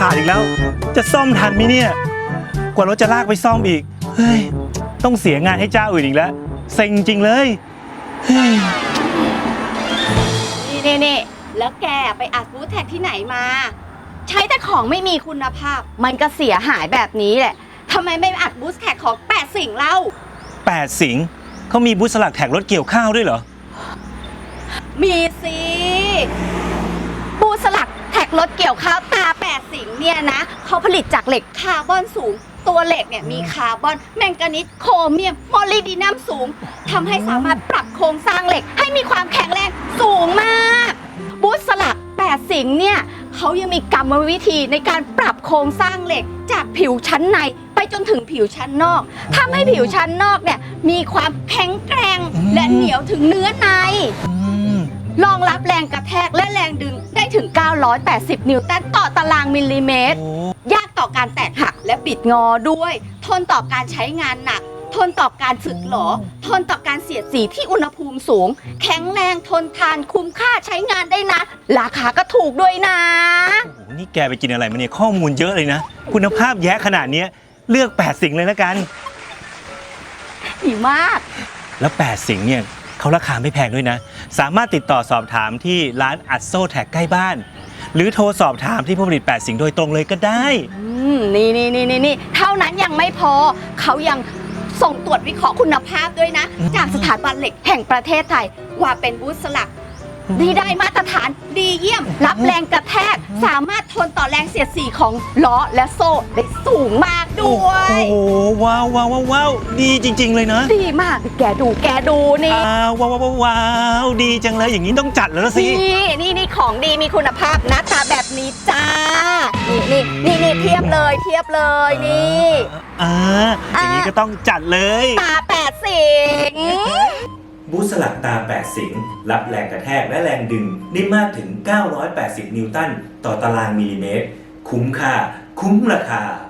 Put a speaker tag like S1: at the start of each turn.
S1: ขาดอีกแล้วจะซ่อมทันไหมเนี่ยกว่ารถจะลากไปซ่อมอีกเฮ้ยต้องเสียงานให้เจ้าอื่นอีกแล้วเซ็งจริงเลยเฮ้ย
S2: นี่แล้วแกไปอัดบูธแท็กที่ไหนมาใช้แต่ของไม่มีคุณภาพมันก็เสียหายแบบนี้แหละทำไมไม่อัดบูธแท็กของ8สิ่งเล่า
S1: 8สิงห์เขามีบูธสลักแท็กรถเกี่ยวข้าวด้วยเหรอ
S2: มีสิบูธสลักแท็กรถเกี่ยวข้าวตา8สิ่งเนี่ยนะเขาผลิตจากเหล็กคาร์บอนสูงตัวเหล็กเนี่ยมีคาร์บอนแมงกานีสโครเมียมโมลิบดีนัมสูงทำให้สามารถปรับโครงสร้างเหล็กให้มีความแข็งแรงสูงมากบูธสลัก8สิ่งเนี่ยเขายังมีกรรมวิธีในการปรับโครงสร้างเหล็กจากผิวชั้นในไปจนถึงผิวชั้นนอกทำให้ผิวชั้นนอกเนี่ยมีความแข็งแกร่งและเหนียวถึงเนื้อในรองรับแรงกระแทกและแรงดึงได้ถึง980นิวตันต่อตารางมิลลิเมตรยากต่อการแตกหักและบิดงอด้วยทนต่อการใช้งานหนักทนต่อการสึกหรอทนต่อการเสียดสีที่อุณหภูมิสูงแข็งแรงทนทานคุ้มค่าใช้งานได้นะราคาก็ถูกด้วยนะ
S1: โอ้โหนี่แกไปกินอะไรมาเนี่ยข้อมูลเยอะเลยนะคุณภาพแย่ขนาดนี้เลือก8สิ่งเลยละกัน
S2: ดีมาก
S1: แล้ว8สิ่งเนี่ยเขาราคาไม่แพงด้วยนะสามารถติดต่อสอบถามที่ร้านอัดโซ่แท็กใกล้บ้านหรือโทรสอบถามที่ผู้ผลิต8สิ่งโดยตรงเลยก็ได้
S2: นี่เท่านั้นยังไม่พอเขายังส่งตรวจวิเคราะห์คุณภาพด้วยนะจากสถาบันเหล็กแห่งประเทศไทยว่าเป็นบูธสลักที่ได้มาตรฐานดีเยี่ยมรับแรงกระแทกสามารถทนต่อแรงเสียดสีของล้อและโซ่ได้สูงมากด้วย
S1: โอ้โหว้าวดีจริงๆเลยนะ
S2: ดีมากแกดูนี่
S1: ว้าวดีจังเลยอย่างนี้ต้องจัดแล้วสิ
S2: นี่ของดีมีคุณภาพหน้าตาแบบนี้จ้านี่เทียบเลยนี่
S1: อย่างนี้ก็ต้องจัดเลย
S2: ตา8สิ่ง
S1: บูธสลักตา8สิงห์รับแรงกระแทกและแรงดึงได้มากถึง980นิวตันต่อตารางมิลลิเมตรคุ้มค่าคุ้มราคา